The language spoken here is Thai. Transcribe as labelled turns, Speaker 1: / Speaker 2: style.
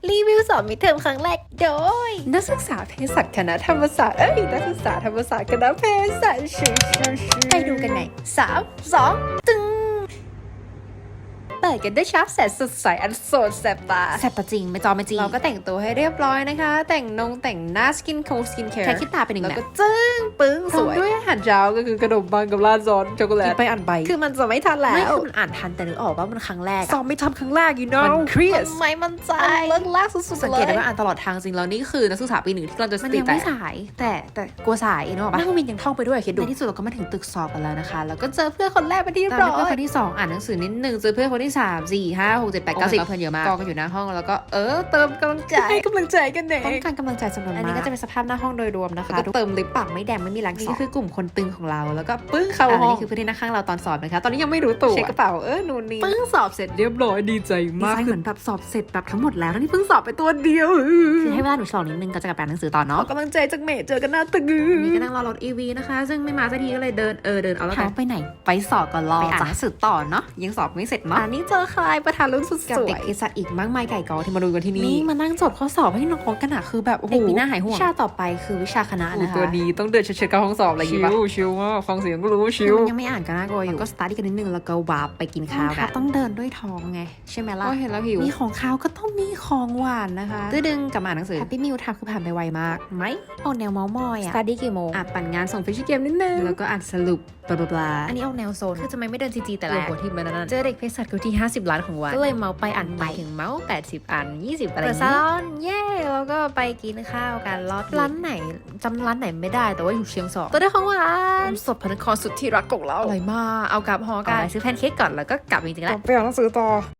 Speaker 1: รีวิวสอบมิดเทอมครั้งแรกโดย
Speaker 2: นักศึกษาเภสัชคณะธรรมศาสตร์นักศึกษาธรรมศาสตร์คณะเภสัช
Speaker 1: ไปดูกันใน3 2 ตึง
Speaker 2: เปิดกันด้วยชาร์ปแสนสดใสอันโสดแสบตา
Speaker 1: แซบปะจริงไม่จอไม่จริง
Speaker 2: เราก็แต่งตัวให้เรียบร้อยนะคะ แต่งหน้าสกินแคร์
Speaker 1: แค่คิดตาเป็นหนึ่ง
Speaker 2: แล้ว
Speaker 1: นะ
Speaker 2: ก็จึ้งปึ้งสวยด้วยอาหารเช้าก็คือขนมปังกับราดซอสช็อกโกแลต
Speaker 1: กินไปอ่านไป
Speaker 2: คือมันจะไม่ทันแล้ว
Speaker 1: ไม่คือมันอ่านทันแต่นึกออกว่ามันครั้งแรก
Speaker 2: สอบไม่ทันครั้งแรกมันเครียด
Speaker 1: ไม่มั่นใจ
Speaker 2: เลิกลากสุดๆ
Speaker 1: สัง
Speaker 2: เล
Speaker 1: เกตได้
Speaker 2: ย
Speaker 1: ว่าอ่านตลอดทางจริงแล้วนี่คือนักศึกษาปีหนึ่งที่กำลังจะส
Speaker 2: มัน
Speaker 1: ติ
Speaker 2: ยัง
Speaker 1: แต
Speaker 2: ไม่
Speaker 1: ก
Speaker 2: สาย
Speaker 1: แต่กลัวสายนึกออกปะ
Speaker 2: นักวินยังท่องไปด้วยคิดดู
Speaker 1: ในที่สุดเราก็มาถึงตึกสอบกันแล้วนะคะแล้วก็เจอ
Speaker 2: เพื่อนคนแรกไปที่เรียบ
Speaker 1: ตาม
Speaker 2: ร้อ
Speaker 1: ด้วยเพื่อย นคนที่2อ่านหนังสือนิดนึงเจอเพื่อนคนที่3 4 5 6 7 8 9 10เพื่อนเยอะมากกองกันอยู่หน้าห้องแล้วก็เติมกำลังใจ
Speaker 2: ให้กำลังใจกันเอง
Speaker 1: ต้องการกำลังใจจำนวนมากอันนี้ก็จะเป็นสภาพหน้าห้องโดยรวมนะคะ
Speaker 2: แล้วก็เติมลิป
Speaker 1: ปากไม่แดงไม่มีแรงส
Speaker 2: นี่
Speaker 1: อบ
Speaker 2: ก็คือกลุ่มคนตึงของเราแล้วก็ปึ้งเข้าห้อง
Speaker 1: นี่คือเพื่อนที่นั่งข้างเราตอนสอบนะคะตอนนี้ยังไม่รู้
Speaker 2: ตั
Speaker 1: ตัว
Speaker 2: เช็คกระเป๋านู่นนี่ปึ้งสอบเสร็จเรียบร้อยดีใจ
Speaker 1: ดี
Speaker 2: มาก
Speaker 1: ใจเหมือนแบบสอบเสร็จแบบทั้งหมดแล้ว
Speaker 2: ทั้งที่เพิ่งสอบไปตัวเดียว
Speaker 1: คือให้เวลาหนูฉลองนิดนึงก็จะกลับไปอ่านหนังสือต่อ
Speaker 2: ขอ
Speaker 1: เนาะ
Speaker 2: กำลังใจจากเมย์เจอกันหน้าตึก
Speaker 1: นี่ก็นั่งรอรถ EV นะคะซึ่งไม่มาสักทีก็เลยเดินเอาแล้วกัน
Speaker 2: ไปไหนไปสอบก่อนรอ
Speaker 1: ไปอ่าน
Speaker 2: จ้ะ
Speaker 1: หนังสือต่อเนาะยังสอบไม่เสร็จเนาะ
Speaker 2: อันนี้เจอใครประธานรุ่นสุดส
Speaker 1: กับ
Speaker 2: ว
Speaker 1: เด็ก
Speaker 2: ย
Speaker 1: เภสัชอีกมากมายไก่กอที่มาดูกันที่นี่
Speaker 2: นี่มานั่งจดข้อสอบให้น้องกันอะคือแบบโอ้โห
Speaker 1: เด็กปีหน้าหายห่วง
Speaker 2: วิชาต่อไปคือวิชาคณะนะคะตัวดีต้องเดินเฉยๆเข้าห้องสอบอะไรอย่างงี้ปะชิวมากฟังเสียงก็รู้ว่าชิว
Speaker 1: ยังไม่อ่านก็น่ากลัวอยู่ก็สตาร์ทกันนิดนึงแล้วก็วาร์ปไปกินข้าวกันต้องเดินด้วยท้องไงใช่ไหมล่ะ
Speaker 2: ก็เห็นแล้วหิว
Speaker 1: มีของข้าวก็ต้องมีของหวานนะคะ
Speaker 2: ตื้อดึงกลับมาอ่านหนังสือ
Speaker 1: แฮปปี้มิลทำคือผ่านไปไวมากไหมออกแนวเมาส์มอย
Speaker 2: ส
Speaker 1: อะ
Speaker 2: ตาร์ดี้กี่โมงอ่ะปั่นงานส่งฟิชเกมนิดนึง
Speaker 1: แล้วก็อ่านสรุปบลาบลา
Speaker 2: อันนี้เอาแนวโซน
Speaker 1: คือจะไม่เดินจีแต่แรก
Speaker 2: หัวทิ่มไปนั่น
Speaker 1: เจอเด็กเภสัชคนที่50 ล้านของวัน
Speaker 2: ก็เลยเมาไปอ่านไป
Speaker 1: ถึงเมาส์80 อัน 20 อะไรอ
Speaker 2: เปิด
Speaker 1: ย่าง
Speaker 2: ซา
Speaker 1: นี้
Speaker 2: ลอนเย่แล้วก็ไปกินข้าวกันรอบ
Speaker 1: ร้านไหนจำร้านไหนไม่ได้แต่ว่าอยู่เชียงสอง
Speaker 2: ตัวได้ของหวาน
Speaker 1: สดพระนครสุดที่รักของเรา
Speaker 2: อร่อยมากเอากลับหอ
Speaker 1: กั
Speaker 2: กัน น
Speaker 1: ไปซื้อแพนเค้กก่อนแล้วก็กลับจริงๆแล้ว
Speaker 2: ไปอ่านหนังสือต่อ